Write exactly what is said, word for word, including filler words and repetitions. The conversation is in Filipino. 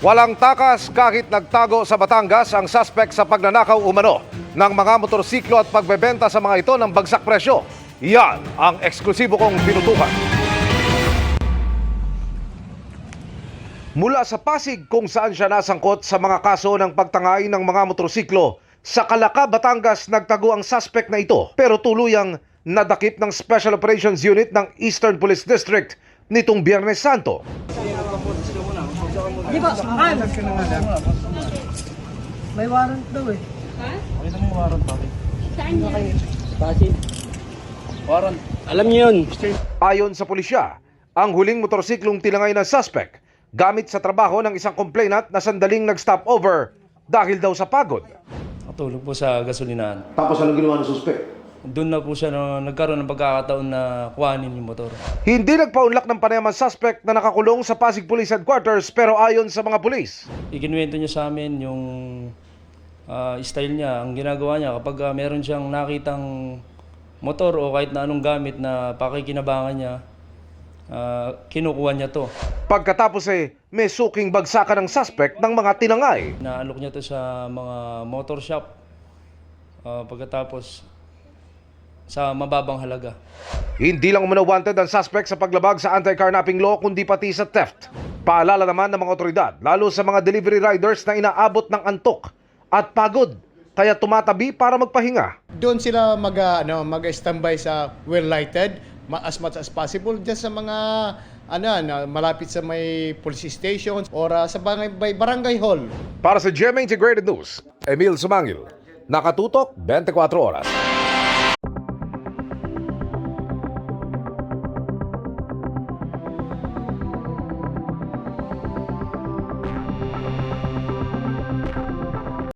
Walang takas kahit nagtago sa Batangas ang suspect sa pagnanakaw umano ng mga motorsiklo at pagbebenta sa mga ito ng bagsak presyo. Yan ang eksklusibo kong tinutukan. Mula sa Pasig kung saan siya nasangkot sa mga kaso ng pagtangay ng mga motorsiklo, sa Calaca, Batangas nagtago ang suspect na ito pero tuluyang nadakip ng Special Operations Unit ng Eastern Police District nitong Biyernes Santo. Di ba? Ah, may warrant daw eh. Ha? Pakita mo yung warrant, pare. Saan yan? Pasig. Warrant. Alam niyo yun. Ayon sa pulisya, ang huling motorsiklong tinangay ng suspect gamit sa trabaho ng isang complainant na sandaling nag-stop over dahil daw sa pagod. Natulog po sa gasolinahan. Tapos anong ginawa ng suspect? Doon na po siya na, nagkaroon ng pagkakataon na kuhanin yung motor. Hindi nagpaunlak ng panayam ang suspect na nakakulong sa Pasig Police Headquarters pero ayon sa mga pulis, Ikinuwento niya sa amin yung ah, style niya, ang ginagawa niya kapag ah, meron siyang nakitang motor o kahit na anong gamit na pakikinabangan niya, ah, kinukuha niya to. pagkatapos eh may suking bagsakan ng suspect ng mga tinangay. Naalok niya to sa mga motor shop. Ah, pagkatapos sa mababang halaga. Hindi lang umano wanted ang suspect sa paglabag sa anti-carnapping law kundi pati sa theft. Paalala naman ng mga otoridad, lalo sa mga delivery riders na inaabot ng antok at pagod, kaya tumatabi para magpahinga. Doon sila mag ah, ano, mag-standby sa well lighted as much as possible diyan sa mga ano na malapit sa may police stations or ah, sa barangay, barangay hall. Para sa G M A Integrated News, Emil Sumangil, nakatutok twenty-four oras.